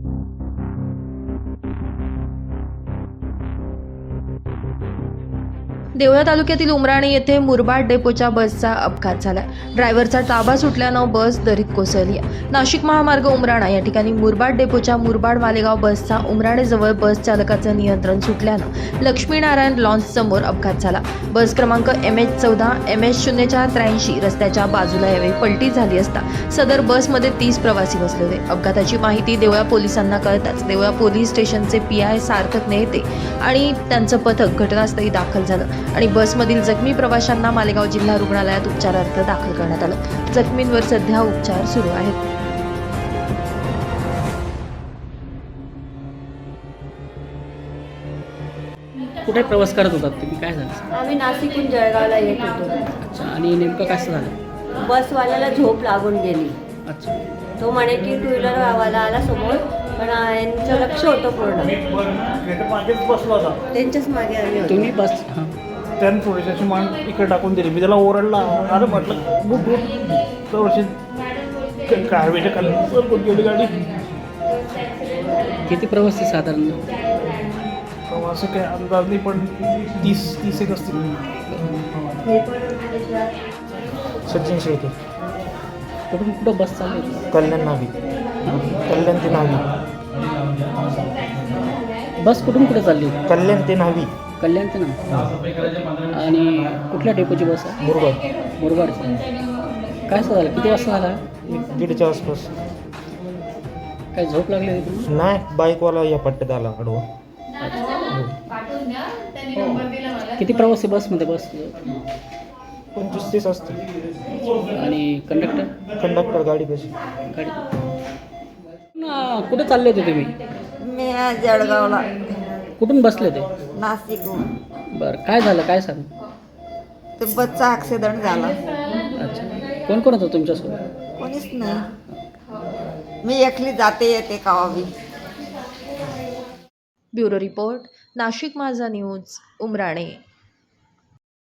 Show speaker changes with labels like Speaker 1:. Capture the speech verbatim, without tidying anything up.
Speaker 1: देवळा तालुक्यातील उमराणे येथे मुरबाड डेपोच्या बसचा अपघात झाला. ड्रायव्हरचा ताबा सुटल्यानं बस दरीत कोसळली. नाशिक महामार्ग उमराणा या ठिकाणी मुरबाड डेपोच्या मुरबाड मालेगाव बसचा उमराणेजवळ बस चालकाचं नियंत्रण सुटल्यानं लक्ष्मीनारायण लॉन्च समोर अपघात झाला. बस क्रमांक एम एच चौदा एम एच शून्य चार त्र्याऐंशी रस्त्याच्या बाजूला यावेळी पलटी झाली असता सदर बसमध्ये तीस प्रवासी बसले होते. अपघाताची माहिती देवळा पोलिसांना कळताच देवळा पोलीस स्टेशनचे पी आय सार्थक नेते आणि त्यांचं पथक घटनास्थळी दाखल झालं आणि बसमधील जखमी प्रवाशांना मालेगाव जिल्हा रुग्णालयात उपचारार्थ दाखल करण्यात आलं. जखमींवर सध्या उपचार सुरू आहेत.
Speaker 2: कुठे प्रवास करत होतात तुम्ही, काय झालं?
Speaker 3: आम्ही नाशिकहून जळगावला येत होतो.
Speaker 2: अच्छा, आणि नेमकं कसं झालं?
Speaker 3: बसवाल्याला झोप लागून गेली.
Speaker 2: अच्छा,
Speaker 3: तो म्हणे की टू व्हीलर वाला आला समोर, पण यांचं लक्ष होतं पूर्ण
Speaker 4: मागेच बसला होता.
Speaker 3: त्यांच्याच मागे आम्ही होतो.
Speaker 2: तुम्ही बस हां
Speaker 4: त्यानं थोडीशी मान इकडे टाकून दिली. मी त्याला ओरडला, अरे म्हटलं बुट बुट तर कारवेच्या खाली सरकून गेली गाडी.
Speaker 2: किती प्रवासी साधारण?
Speaker 4: असं काही अंदाज नाही, पण तीस तीस एक असतील. सचिन शेळके.
Speaker 2: कुठून कुठं बस चालू होती?
Speaker 4: कल्याण नावी, कल्याण ते नावी,
Speaker 2: बस कुठून कुठे चालली होती?
Speaker 4: कल्याण ते नावी,
Speaker 2: कल्याण ते ना. आणि कुठल्या डेपोची बस आहे?
Speaker 4: मुरबाड.
Speaker 2: मुरबाडची. काय असं झालं? किती वाजता झाला?
Speaker 4: दीडच्या आसपास.
Speaker 2: काय झोप लागली होती तुम्ही?
Speaker 4: नाही, बाईकवाला या पट्ट्यात आला आडवा.
Speaker 2: किती प्रवासी बसमध्ये बस?
Speaker 4: पंचवीस तीस असतील.
Speaker 2: आणि कंडक्टर?
Speaker 4: कंडक्टर गाडी कशी.
Speaker 2: गाडी ना, कुठे चालले होते तुम्ही?
Speaker 3: मी आज जळगावला,
Speaker 2: कुठून बसले ते?
Speaker 3: नाशिकहून.
Speaker 2: बरं, काय झालं, काय सांग?
Speaker 3: ते बसचा ॲक्सिडेंट झाला.
Speaker 2: अच्छा, कोण कोण होतं तुमच्यासोबत?
Speaker 3: कोणीच नाही, मी एकली जाते येते कावावी.
Speaker 1: ब्युरो रिपोर्ट, नाशिक माझा न्यूज, उमराणे.